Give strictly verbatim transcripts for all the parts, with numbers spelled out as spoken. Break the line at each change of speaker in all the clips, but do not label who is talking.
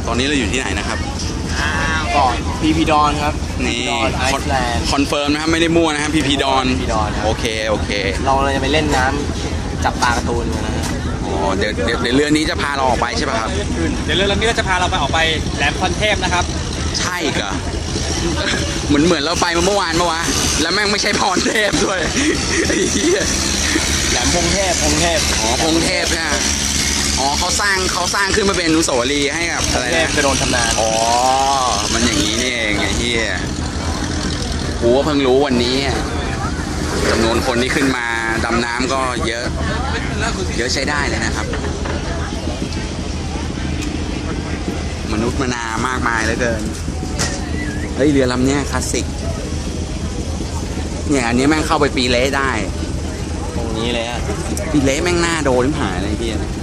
ตอนนี้เราอยู่ที่ไหนนะครับ
เกาะพีพีดอนครับ
นี่
ไอซ์แลนด์
คอนเฟิร์มนะครับไม่ได้มั่วนะครับพีพีดอน
พีพีดอนครับ
โอเคโอเค
เราเลยจะไปเล่นน้ำจับปลาการ์ตูนกันนะฮะ
อ๋อเดี๋ยวเดี๋ยวเดี๋ยวเรือนี้จะพาเราออกไปใช่ป่ะครับ
เดี๋ยวเรือลำนี้ก็จะพาเราไปออกไปแหลมพรเทพนะครับ
ใช่เหรอเหมือนเหมือนเราไปมาเมื่อวานเมื่อวานแล้วแม่งไม่ใช่พรเทพด้วยไอ้เหี้ย
แหลมพงเทพพงเทพ
อ๋อพงเทพเนี่ยอ๋อเขาสร้างเขาสร้างขึ้นมาเป็นอนุสาวรีย์ให้กับอะไร
เทพ
นะ
จะโดนทำนาน
อ๋อมันอย่างนี้นี่เองไอ้เหี้ยกูก็เพิ่งรู้วันนี้จำนวนคนที่ขึ้นมาดำน้ำก็เยอะเยอะใช้ได้เลยนะครับ มนุษย์มนามากมายเหลือเกินเฮ้ยเรือลำเนี้ยคลาสสิกเนี่ยอันนี้แม่งเข้าไปปีเละได้
ตรงนี้เลยฮะ
ปีเละแม่งหน้าโดนหายอะไรพี่นะ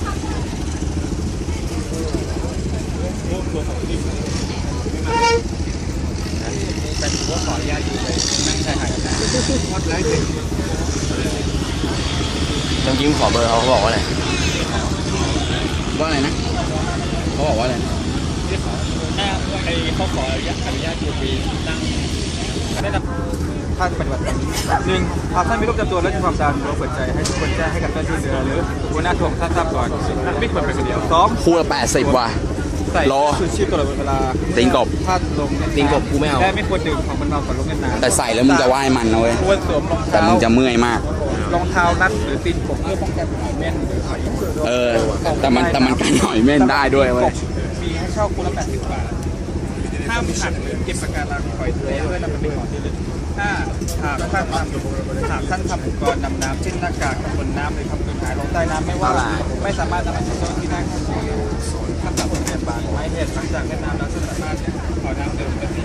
น้องยิ้มขอเบอร์เขาเขาบอกว่าอะไร
ว่าอะไรนะเขาบอกว่าอะไรนะ
ถ้าไอ้เขาขออนุญาตอนุญาตอยู่ปีนั่งได้นำท่านปฏิบัติตามหนึ่งหากท่านมีโรคประจำตัวและมีความดันเราเปิดใจให้ทุกคนแจ้งให้กับเจ้าหน้าที่เรือหรือหัวหน้าถ่วงท่านทราบก่อนไม่ควรเป็นคนเดียวสอง
คู่ละแปดสิบว่ะ
ใส่
รอ
ชูชีพตลอดเวลา
ติงกบ
ถ้าลง
ติงกบกูไม่เอา
และไม่ควรดื่มของมันเมาก่อนลงเล่นน้ำ
แต่ใส่แล้วมึงจะว่ายมันนะเว้ย
ควรสวมรอง
แต่
เท้า
มึงจะเมื่อยมาก
รองเท้านัดหรือตีนกบเพื่อป้องกันหอยเม่นหรือหอย
เออ แต่มันแต่มันกันหอยเม่นได้ด้วยเว้ย
มีให้เช่าคนละแปดสิบบาทห้ามหักหรือเก็บปะการังปล่อยทะเลเพื่อนำไปเป็นของที่ระลึกถ้าหากท่านทำหากท่านทำอุปกรณ์ดำน้ำเช่นหน้ากากบนน้ำหรือทำเกินหายลงใต้น้ำไม่ว่าไม่สามารถนำไปใช้เจ้าหน้าที่ได้ครับท่านสามารถเปลี่ยนบางไม้เหตุหลังจากเล่นน้ำแล้วสามารถเอาน้ำเดิมไปที่